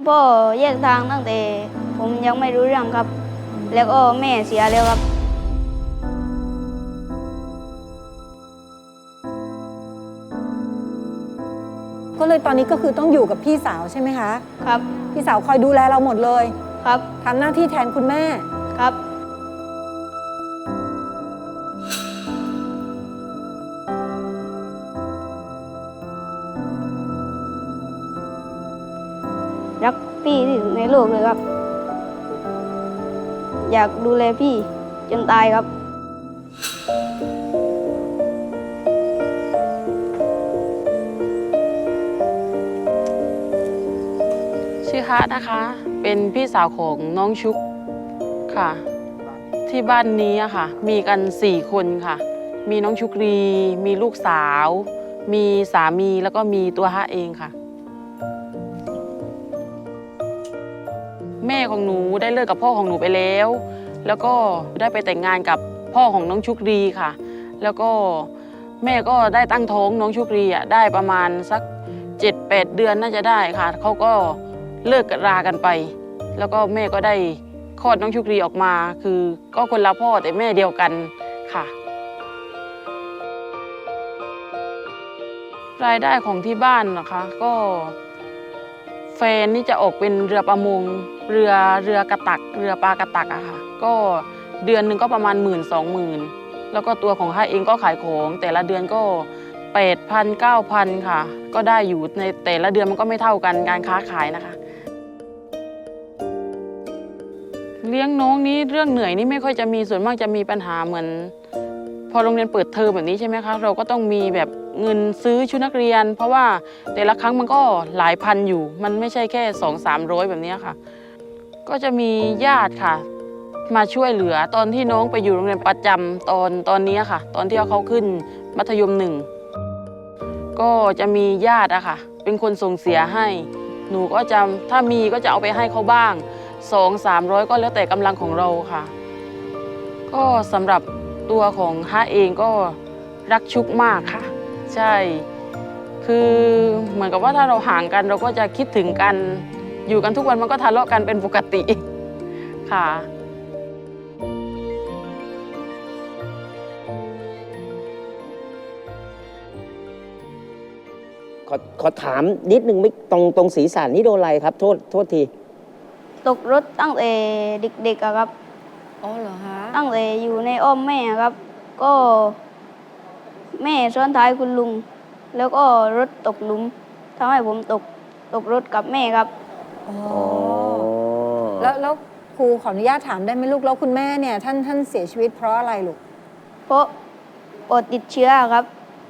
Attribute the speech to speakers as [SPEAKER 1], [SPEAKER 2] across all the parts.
[SPEAKER 1] พ่อแยกทางตั้งแต่ผมยังไม่รู้เรื่องครับ แล้วก็แม่เสียแล้วครับ
[SPEAKER 2] ก็เลยตอนนี้ก็คือต้องอยู่กับพี่สาวใช่ไหมคะ
[SPEAKER 1] ครับ
[SPEAKER 2] พี่สาวคอยดูแลเราหมดเลย
[SPEAKER 1] ครับ
[SPEAKER 2] ทำหน้าที่แทนคุณแม่
[SPEAKER 1] ครับรักพี่ที่สุดในโลกเลยครับ อยากดูแลพี่จนตายครับ
[SPEAKER 3] ชื่อฮะนะคะ เป็นพี่สาวของน้องชุกค่ะ ที่บ้านนี้อะค่ะ มีกัน4 คนค่ะ มีน้องชุกรี มีลูกสาว มีสามีแล้วก็มีตัวฮะเองค่ะ แม่ของหนูได้เลิกกับพ่อของหนูไปแล้ว แล้วก็ได้ไปแต่งงานกับพ่อของน้องชุกรีค่ะ แล้วก็แม่ก็ได้ตั้งท้องน้องชุกรีอ่ะได้ประมาณสัก7-8 เดือนน่าจะได้ค่ะเขาก็เลิกรากันไป แล้วก็แม่ก็ได้คลอดน้องชุกรีออกมา คือก็คนละพ่อแต่แม่เดียวกันค่ะ รายได้ของที่บ้านนะคะก็แฟนนี่จะออกเป็นเรือประมงเรือกระตักเรือปลากระตักอะค่ะก็เดือนหนึ่งก็ประมาณ10,000-20,000แล้วก็ตัวของข้าเองก็ขายของแต่ละเดือนก็8,000-9,000ค่ะก็ได้อยู่ในแต่ละเดือนมันก็ไม่เท่ากันการค้าขายนะคะเลี้ยงน้องนี้เรื่องเหนื่อยนี่ไม่ค่อยจะมีส่วนมากจะมีปัญหาเหมือนพอโรงเรียนเปิดเทอมแบบนี้ใช่ไหมคะเราก็ต้องมีแบบเงินซื้อชุดนักเรียนเพราะว่าแต่ละครั้งมันก็หลายพันอยู่มันไม่ใช่แค่200-300แบบนี้ค่ะก็จะมีญาติค่ะมาช่วยเหลือตอนที่น้องไปอยู่โรงเรียนประจำตอนนี้ค่ะตอนที่เขาขึ้นมัธยม1ก็จะมีญาติอะค่ะเป็นคนส่งเสียให้หนูก็จะถ้ามีก็จะเอาไปให้เขาบ้าง200-300ก็แล้วแต่กำลังของเราค่ะก็สำหรับตัวของฮะเองก็รักชุกมากค่ะใช่คือเหมือนกับว่าถ้าเราห่างกันเราก็จะคิดถึงกันอยู่กันทุกวันมันก็ทะเลาะกันเป็นปกติค่ะ
[SPEAKER 4] ขอถามนิดนึงไม่ตรงศีรษะนี่โดนอะไรครับ โทษที
[SPEAKER 1] ตกรถตั้งแต่เด็กๆอะครับ
[SPEAKER 2] อ๋อเหรอฮะ
[SPEAKER 1] ตั้งแต่อยู่ในอ้อมแม่ครับ ก็แม่ซ้อนท้ายคุณลุง แล้วก็รถตกหลุมทำให้ผมตกรถกับแม่ครับ
[SPEAKER 2] อ๋อแล้วครูขออนุญาตถามได้ไหมลูกแล้วคุณแม่เนี่ยท่านเสียชีวิตเพราะอะไรลูก
[SPEAKER 1] เพราะปอดติดเชื้อครับ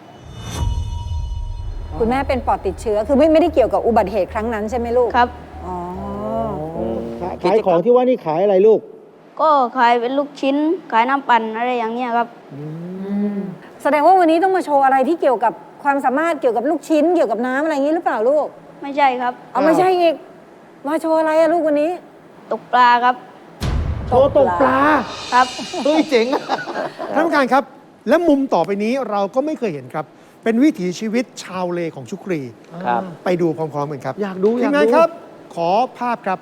[SPEAKER 2] คุณแม่เป็นปอดติดเชื้อคือไม่ได้เกี่ยวกับอุบัติเหตุครั้งนั้นใช่ไหมลูก
[SPEAKER 1] ครับ
[SPEAKER 2] อ๋อ
[SPEAKER 5] ขายของที่ว่านี่ขายอะไรลูก
[SPEAKER 1] ก็ขายเป็นลูกชิ้น ขายน้ำปั่นอะไรอย่างเงี้ยครับ
[SPEAKER 2] แสดงว่าวันนี้ต้องมาโชว์อะไรที่เกี่ยวกับความสามารถเกี่ยวกับลูกชิ้นเกี่ยวกับน้ำอะไรอย่างนี้หรือเปล่าลูก
[SPEAKER 1] ไม่ใช่ครับ
[SPEAKER 2] เอาไม่ใช่อีกมาโชว์อะไรอะลูกวันนี้
[SPEAKER 1] ตกปลาครับ
[SPEAKER 5] โชว์ตกปลา
[SPEAKER 1] ครับ
[SPEAKER 5] เฮ้ยเจ๋งอะท่านผู้การครับ และมุมต่อไปนี้เราก็ไม่เคยเห็นครับ เป็นวิถีชีวิตชาวเลของชุกรี
[SPEAKER 4] ครับ
[SPEAKER 5] ไปดูพร้อมๆกันครับ
[SPEAKER 6] อยากดู
[SPEAKER 5] ทีมงานครับ ขอภาพครับ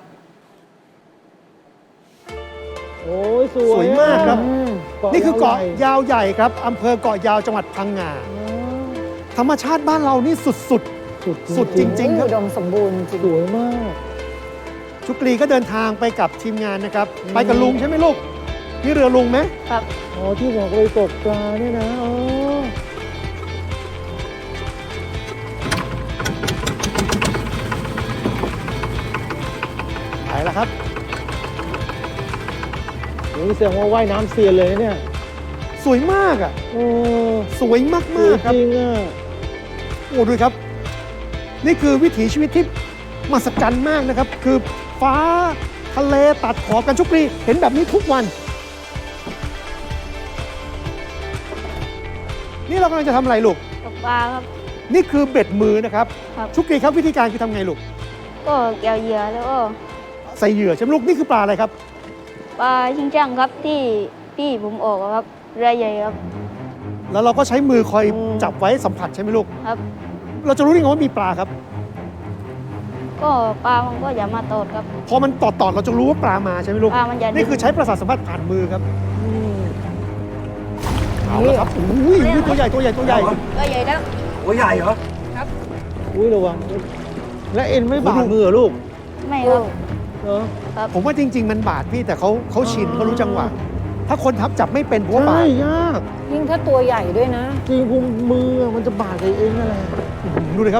[SPEAKER 6] โอ้ยส
[SPEAKER 5] ส
[SPEAKER 6] วย
[SPEAKER 5] วยมากครับ
[SPEAKER 6] ะ
[SPEAKER 5] นี่คือเกาะ
[SPEAKER 6] ใหญ่
[SPEAKER 5] ยาวใหญ่ครับอำเภอเกาะยาวจังหวัดพังงา ธรรมชาติบ้านเรานี่สุด สุดจริงๆครับ
[SPEAKER 2] อุดมสมบูรณ์จริง
[SPEAKER 6] สวยมาก
[SPEAKER 5] ชุกรีก็เดินทางไปกับทีมงานนะครับ ไปกับลุงใช่ไหมลูกนี่เรือลุงไหม
[SPEAKER 1] ครับ
[SPEAKER 6] อ๋อ ที่บอกเลยตกปลาเนี่ยนะ อ๋อ
[SPEAKER 5] ไปแล้วครับ
[SPEAKER 6] โอ้ยแสดงว่าว่ายน้ำเซียนเลยนะเนี่ย
[SPEAKER 5] สวยมากอ่ะ
[SPEAKER 6] โอ้
[SPEAKER 5] สวยมาก
[SPEAKER 6] สวย
[SPEAKER 5] ๆครับ
[SPEAKER 6] จริงอ่ะ
[SPEAKER 5] โอ้ดูครับ นี่คือวิถีชีวิตที่มหัศจรรย์มากนะครับ คือฟ้าทะเลตัดขอบกันชุกรีเห็นแบบนี้ทุกวัน นี่เรากำลังจะทำอะไรลูก
[SPEAKER 1] ตกปลาครับ
[SPEAKER 5] นี่คือเบ็ดมือนะครับ
[SPEAKER 1] ครับ
[SPEAKER 5] ชุกรีครับวิธีการคือทำไงลูก
[SPEAKER 1] ก็เกี่ยวเหยื่อแล้วก็
[SPEAKER 5] ใส่เหยื่อใช่ไหมลูกนี่คือปลาอะไรครับ
[SPEAKER 1] ปลาชิงช่างครับที่พี่ผมออกอะครับเรือใหญ่ครับ
[SPEAKER 5] แล้วเราก็ใช้มือคอยจับไว้สัมผัสใช่ไหมลูก
[SPEAKER 1] ครับ
[SPEAKER 5] เราจะรู้ได้ไงว่ามีปลาครับ
[SPEAKER 1] ก็ปลามันก็อย่ามาตอดครับ
[SPEAKER 5] พอมันตอดเราจะรู้ว่าปลามาใช่ไหมลูก
[SPEAKER 1] ปลามันจะ
[SPEAKER 5] นี่คือใช้ประสาทสัมผัสผ่านมือครับเอาละครับอุ้ยตัวใหญ่ตัวใหญ่ตัวใหญ่
[SPEAKER 1] ก็ใหญ่แล้ว
[SPEAKER 6] หัวใหญ่เหรอ
[SPEAKER 1] ครับ
[SPEAKER 6] อุ้ยระวัง และเอ็นไม่บาดมือเหรอลูก
[SPEAKER 1] ไม่ครับ
[SPEAKER 6] เออ
[SPEAKER 5] ผมว่าจริง ๆ มันบาดพี่แต่เขาชินเขารู้จังหวะ ถ้าคนทับจับไม่เป็นผมว่าบา
[SPEAKER 6] ใช่
[SPEAKER 5] ด
[SPEAKER 6] ยาก
[SPEAKER 2] ยิ่งถ้าตัวใหญ่ด้วยนะ
[SPEAKER 6] จริงพุงมือมันจะบาดกับเองนั่นแหละ
[SPEAKER 5] ดูเลยครับ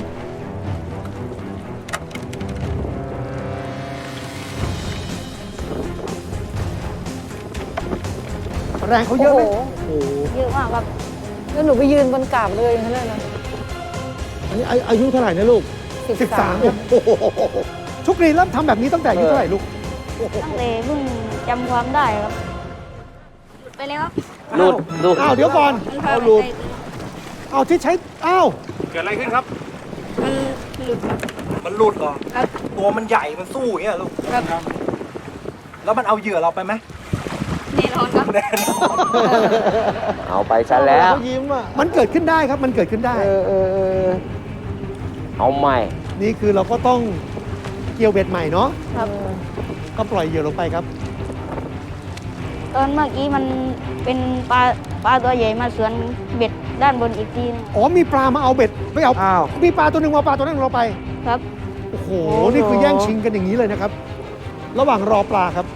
[SPEAKER 5] แรงเขาเยอะไหม
[SPEAKER 2] โอ้โห
[SPEAKER 6] โอ้โห
[SPEAKER 1] เยอะมากครับ
[SPEAKER 2] แล้วหนูไปยืนบนกาบเลยอย่างนั้นเลยนะ
[SPEAKER 6] อันนี้อายุเท่าไหร่นะลูก
[SPEAKER 5] 13ครับชุกรีเริ่มทำแบบนี้ตั้งแต่อายุเท่าไหร่ลูก
[SPEAKER 1] ตั้งแต่เพิ่งจำความได้ครับ ไปแล้วครับ
[SPEAKER 4] หลุดหลุด
[SPEAKER 5] อ้าวเดี๋ยวก่อน
[SPEAKER 1] มันพา
[SPEAKER 6] เอา
[SPEAKER 1] ไป
[SPEAKER 6] หลุด
[SPEAKER 1] ได้
[SPEAKER 5] เอาที่ใช้อ้าว
[SPEAKER 7] เกิดอะไรขึ้นครับ
[SPEAKER 1] มันหลุดครับ
[SPEAKER 7] มันหลุดเหรอ
[SPEAKER 1] ครับ
[SPEAKER 7] ตัวมันใหญ่ มันสู้อย่างเงี้ยลูก
[SPEAKER 1] ครับ
[SPEAKER 7] แล้วมันเอาเหยื่อเราไปไหม
[SPEAKER 1] แน่นอนครับ
[SPEAKER 7] แน่นอน
[SPEAKER 4] เอาไปซะแล้ว
[SPEAKER 6] เขายิ้มอ่ะ
[SPEAKER 5] มันเกิดขึ้นได้ครับมันเกิดขึ้นได้
[SPEAKER 6] เออ
[SPEAKER 4] เอาใหม่
[SPEAKER 5] นี่คือเราก็ต้องเกี่ยวเบ็ดใหม่เนาะ
[SPEAKER 1] ครับ
[SPEAKER 5] ก็ปล่อยเหยื่อลงไปครับ
[SPEAKER 1] ตอนเมื่อกี้มันเป็นปลาตัวใหญ่มาสวนเบ็ดด้านบนอีกทีนึง
[SPEAKER 5] อ๋อมีปลามาเอาเบ็ดไม่เอา
[SPEAKER 6] อ้าว
[SPEAKER 5] มีปลาตัวหนึ่งมาเอาปลาตัวนั้นเราไป
[SPEAKER 1] ครับ
[SPEAKER 5] โอ้โห นี่คือแย่งชิงกันอย่างนี้เลยนะครับ ระหว่างรอปลาครับ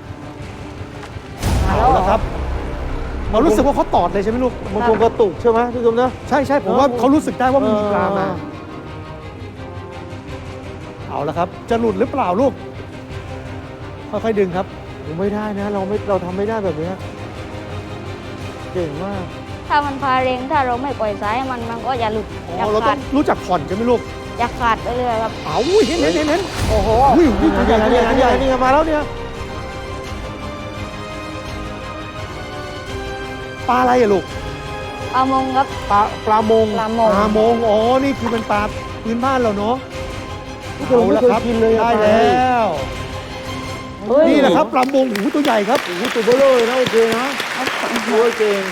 [SPEAKER 5] เอาแล้วครับเรารู้สึกว่าเขาตอดเลยใช่ไหมลูก
[SPEAKER 6] มันคงกระตุกใช่ไหมพี่ตุ้มนะ
[SPEAKER 5] ใช่ใช่ผมว่าเขารู้สึกได้ว่ามันมีปลามา เอาแล้วครับ จะหลุดหรือเปล่าลูก ค่อยๆดึงครับ
[SPEAKER 6] ผมไม่ได้นะ เราทำไม่ได้แบบเนี้ยเก่งมาก
[SPEAKER 1] ถ้ามันพาเรงถ้าเราไม่ปล่อยสายให้มันก็อย่าหลุด
[SPEAKER 5] อ๋
[SPEAKER 1] อย่า
[SPEAKER 5] อ เราต้
[SPEAKER 1] ขา
[SPEAKER 5] อ
[SPEAKER 1] ด
[SPEAKER 5] งรู้จักผ่อนใช่ไหมลูก
[SPEAKER 1] อย่าขาดไปเรื่อยครับ
[SPEAKER 5] เอาเห็นเห็น
[SPEAKER 2] โอ้โห
[SPEAKER 5] อุ้ยนี่ตัวใหญ่ตัวใหญ่ตัวใหญ่
[SPEAKER 6] นี่มาแล้วเนี่ย
[SPEAKER 5] ปลาอะไรอะลูก
[SPEAKER 1] ปลามงครับ
[SPEAKER 5] ปลามง
[SPEAKER 2] ปลามง
[SPEAKER 5] ปลามง อ๋อ นี่คือเป็นปลาพื้นบ้านเราเนาะ
[SPEAKER 6] ที่เราไม่เคยกินเลยอะ
[SPEAKER 5] ได้
[SPEAKER 6] ปลา
[SPEAKER 5] แล้ว นี่แหละครับปลามงหูตัวใหญ่ครับ
[SPEAKER 6] โอ้โหตัวเบลอเลยนะโอเคนะโอ้ยเก่ง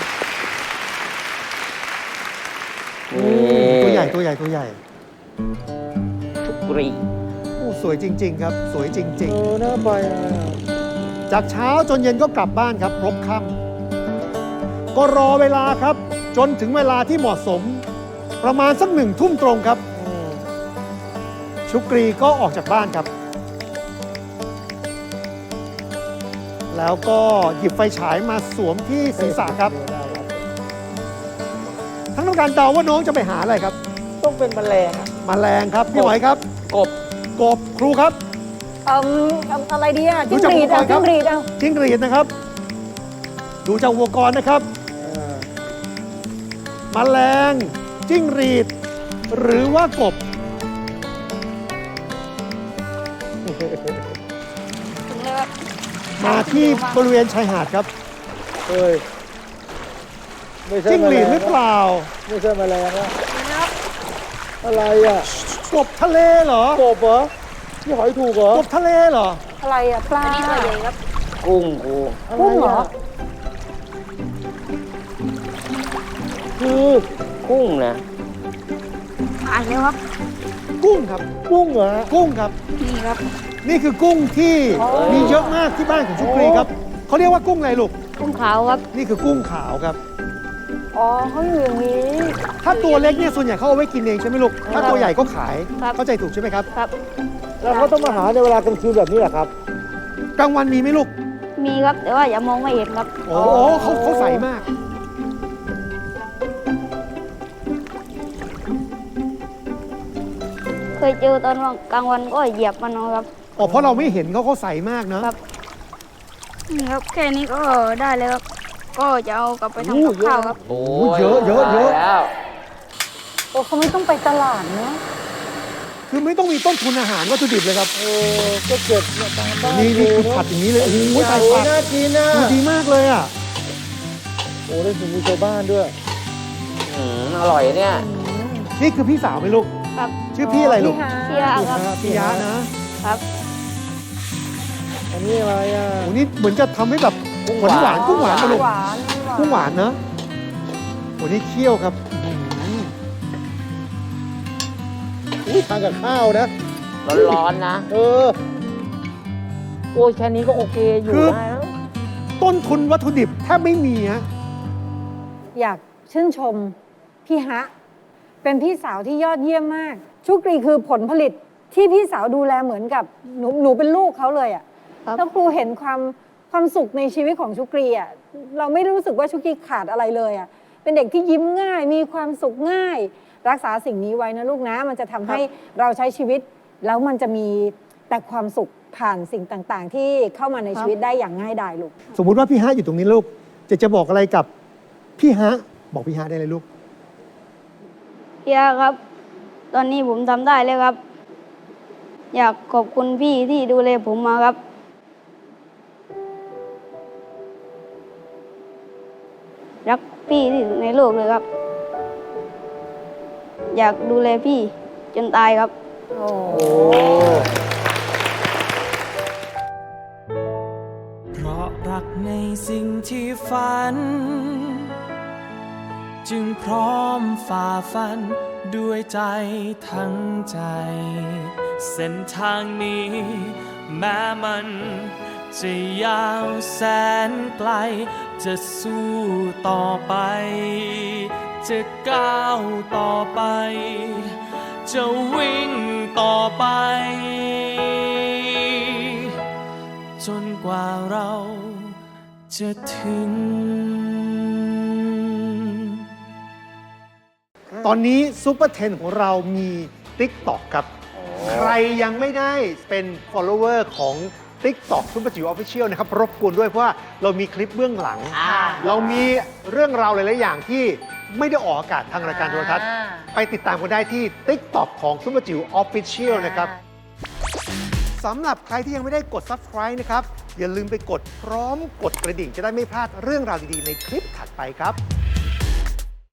[SPEAKER 5] ตัวใหญ่ตัวใหญ่ตัวใหญ่
[SPEAKER 4] กรี
[SPEAKER 5] โอ้สวยจริง ๆ ครับ สวยจริง
[SPEAKER 6] น่าไปอ่ะ
[SPEAKER 5] ๆ จากเช้าจนเย็นก็กลับบ้านครับพบค่ำก็รอเวลาครับ จนถึงเวลาที่เหมาะสม ประมาณสัก1 ทุ่มตรงครับ ชุกรีก็ออกจากบ้านครับ แล้วก็หยิบไฟฉายมาสวมที่ศีรษะครับ ทั้งต้องการเดาว่าน้องจะไปหาอะไรครับ
[SPEAKER 6] ต้องเป็นแมลงอะ
[SPEAKER 5] แมลงครับพี่หอยครับ
[SPEAKER 4] กบ
[SPEAKER 5] กบครูครับ
[SPEAKER 2] อะไรดีอ่ะ
[SPEAKER 5] รู้
[SPEAKER 2] จิ้ง
[SPEAKER 5] จัก
[SPEAKER 2] หรีด
[SPEAKER 5] อุปกรณ์ครับ
[SPEAKER 2] จิ้งหรีดเอา
[SPEAKER 5] จิ้งหรีดนะครับ ดูจากอุปกรณ์นะครับ แมลงจิ้งหรีด หรือว่ากบ
[SPEAKER 1] ถึงเลยครับ
[SPEAKER 5] มาที่บริเวณชายหาดครับ
[SPEAKER 6] เฮ้ยไม่ใช่
[SPEAKER 5] จิ้งหรีดหรือ
[SPEAKER 6] แมล
[SPEAKER 5] เปล่า
[SPEAKER 6] ไม่ใช่แมลงอะอะไรอ่ะ
[SPEAKER 5] กบทะเลเหรอ
[SPEAKER 6] กบเหรอพี่หอยถูกเหรอก
[SPEAKER 5] บทะเลเหรอ
[SPEAKER 2] อะไรอ่ะปลา
[SPEAKER 1] อันนี้ตัวใหญ่ครับ
[SPEAKER 4] กุ้งกู
[SPEAKER 2] กุ้งเหรอ
[SPEAKER 6] คือ
[SPEAKER 4] กุ้งนะ
[SPEAKER 1] อ่านแล้วครับ
[SPEAKER 5] กุ้งครับ
[SPEAKER 6] กุ้งเหรอ
[SPEAKER 5] กุ้งครับ
[SPEAKER 1] นี่ครับ
[SPEAKER 5] นี่คือกุ้งที่
[SPEAKER 2] อ๋อ
[SPEAKER 5] มีเยอะมากที่บ้านของชุกรีครับเขาเรียกว่ากุ้งอะไรลูก
[SPEAKER 1] กุ้งขาวครับ
[SPEAKER 5] นี่คือกุ้งขาวครับ
[SPEAKER 2] อ๋อเขาอยู่อย่างนี้
[SPEAKER 5] ถ้าตัวเล็กเนี่ยส่วนใหญ่เขาเอาไว้กินเองใช่ไหมลูก ถ้าตัวใหญ่ก็ขาย
[SPEAKER 1] ครับ
[SPEAKER 5] เข้าใจถูกใช่ไหมครับ
[SPEAKER 1] ครับ
[SPEAKER 6] แล้วเขาต้องมาหาในเวลากลางคืนแบบนี้เหรอครับ
[SPEAKER 5] กลางวันมีไหมลูก
[SPEAKER 1] มีครับ แต่ว่าอย่ามองไม่เห็นครับ
[SPEAKER 5] โอ้โหเขาใสมาก
[SPEAKER 1] เคยเจอตอนกลางวันก็เหยียบมันครับ
[SPEAKER 5] อ๋อ เพราะเราไม่เห็นเขาใสมากเนอะ
[SPEAKER 1] ครับ นี่ครับ แค่นี้ก็ได้แล้วครับ ก็จะเอากลับไปทำกับข้าวครับ
[SPEAKER 4] โอ้
[SPEAKER 5] เยอะเยอะเยอะ
[SPEAKER 4] แล้ว
[SPEAKER 2] โอ้เขาไม่ต้องไปตลาดเนาะ
[SPEAKER 5] คือไม่ต้องมีต้นทุนอาหารวัตถุดิบเลยครับ
[SPEAKER 6] ก็เก็บเนี่ยตามบ้าน
[SPEAKER 5] นี่คือ
[SPEAKER 6] เะ
[SPEAKER 5] ผัดอย่างนี้เลย โอ้โห
[SPEAKER 6] โอ้ย
[SPEAKER 5] ใส่ผัก
[SPEAKER 6] น่ากินนะ
[SPEAKER 5] ดูดีมากเลยอ่ะ
[SPEAKER 6] โอ้ได้ถึงมือชาวบ้านด้วย
[SPEAKER 4] อร่อยเนี่ย
[SPEAKER 5] นี่คือพี่สาวไหมลูก
[SPEAKER 1] ครับ
[SPEAKER 5] ชื่อพี่อะไรลูก
[SPEAKER 1] เชียร์ครับ
[SPEAKER 5] พี่ยะนะ
[SPEAKER 1] ครับ
[SPEAKER 6] อันนี้อะไรอ่ะ
[SPEAKER 5] โอ้นี่เหมือนจะทำให้แบบหวานหวานกุ้งหวานนะลูก
[SPEAKER 2] หวาน
[SPEAKER 5] กุ้งหวานนะโอ้นี่เคี่ยวครับ
[SPEAKER 6] อุ้ยทานกับข้าวนะ
[SPEAKER 4] ร้อนๆนะ โอ้ยแค่นี้ก็โอเคอยู่
[SPEAKER 5] คือ
[SPEAKER 4] ได้แล้ว
[SPEAKER 5] ต้นทุนวัตถุดิบแทบไม่มีฮะ
[SPEAKER 2] อยากชื่นชมพี่ฮะ เป็นพี่สาวที่ยอดเยี่ยมมาก ชุกรีคือผลผลิตที่พี่สาวดูแลเหมือนกับหนูเป็นลูกเขาเลยอะ
[SPEAKER 1] ครับ
[SPEAKER 2] แล้วครูเห็นความสุขในชีวิตของชุกรีอะเราไม่รู้สึกว่าชุกรีขาดอะไรเลยอะเป็นเด็กที่ยิ้มง่าย มีความสุขง่าย รักษาสิ่งนี้ไว้นะลูกนะ มันจะทำให้เราใช้ชีวิต แล้วมันจะมีแต่ความสุขผ่านสิ่งต่างๆ ที่เข้ามาในชีวิตได้อย่างง่ายดายลูก
[SPEAKER 5] สมมุติว่าพี่ฮะอยู่ตรงนี้ลูก จะบอกอะไรกับพี่ฮะ บอกพี่ฮะได้เลยลูก
[SPEAKER 1] พี่อาครับ ตอนนี้ผมทำได้แล้วครับ อยากขอบคุณพี่ที่ดูแลผมมาครับ รักพี่ที่สุดในโลกเลยครับ อยากดูแลพี่จนตายครับ
[SPEAKER 8] เพราะรักในสิ่งที่ฝัน จึงพร้อมฝ่าฟันด้วยใจทั้งใจ เส้นทางนี้แม้มันจะยาวแสนไกล จะสู้ต่อไป จะก้าวต่อไป จะวิ่งต่อไป จนกว่าเราจะถึง
[SPEAKER 5] ตอนนี้ซูเปอร์10ของเรามี TikTok ครับ ใครยังไม่ได้เป็น follower ของ TikTok ซุปเปอร์จิ๋วออฟฟิเชียลนะครับ รบกวนด้วยเพราะว่าเรามีคลิปเบื้องหลัง เรามีเรื่องราวหลาย ๆ อย่างที่ไม่ได้ออกอากาศทางรายการโทรทัศน์ ไปติดตามกันได้ที่ TikTok ของซุปเปอร์จิ๋วออฟฟิเชียลนะครับสำหรับใครที่ยังไม่ได้กด Subscribe นะครับ อย่าลืมไปกดพร้อมกดกระดิ่งจะได้ไม่พลาดเรื่องราวดี ๆ ในคลิปถัดไปครับ